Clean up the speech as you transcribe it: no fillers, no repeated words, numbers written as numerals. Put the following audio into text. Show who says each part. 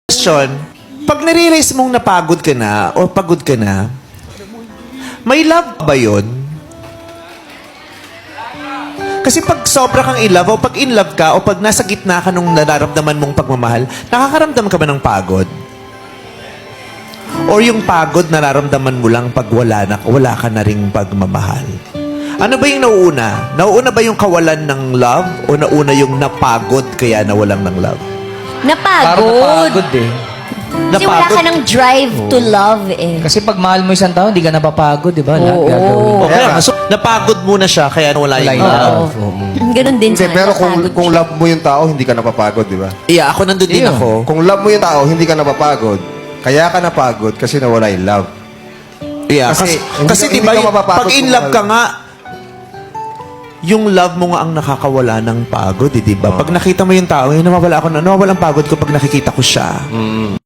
Speaker 1: Question, pag nare-realize mong napagod ka na o pagod ka na, may love ba yun? Kasi pag sobra kang in love o pag in love ka o pag nasa gitna ka nung nararamdaman mong pagmamahal, nakakaramdam ka ba ng pagod? Or yung pagod nararamdaman mo lang pag wala ka na ring pagmamahal? Ano ba yung nauuna? Nauuna ba yung kawalan ng love o nauna yung napagod kaya nawalan ng love?
Speaker 2: Parang napagod eh.
Speaker 3: Kasi wala ka ng drive to love eh.
Speaker 2: Kasi pag mahal mo isang tao, hindi ka napapagod, di ba? Lahat
Speaker 3: Oo.
Speaker 2: gagawin mo.
Speaker 1: O kaya, so, napagod muna siya kaya nawala
Speaker 2: Wala
Speaker 1: yung
Speaker 2: yung
Speaker 1: love.
Speaker 2: love. Oo.
Speaker 3: Ganun din
Speaker 4: Hindi,
Speaker 3: sa
Speaker 4: pero
Speaker 3: napagod
Speaker 4: kung
Speaker 3: siya.
Speaker 4: love mo yung tao, hindi ka napapagod, di ba?
Speaker 1: Yeah, ako nandun din
Speaker 2: Iyo.
Speaker 1: ako.
Speaker 4: Kung love mo yung tao, hindi ka napapagod. Kaya ka napagod kasi nawala yung love.
Speaker 1: Yeah,
Speaker 4: Kasi
Speaker 1: kasi
Speaker 4: hindi
Speaker 1: di ba,
Speaker 4: ka mapapagod
Speaker 1: pag in
Speaker 4: kung
Speaker 1: love ka
Speaker 4: mahal.
Speaker 1: nga, yung love mo nga ang nakakawala ng pagod, di ba? Pag nakita mo yung tao, nawawala ang pagod ko pag nakikita ko siya.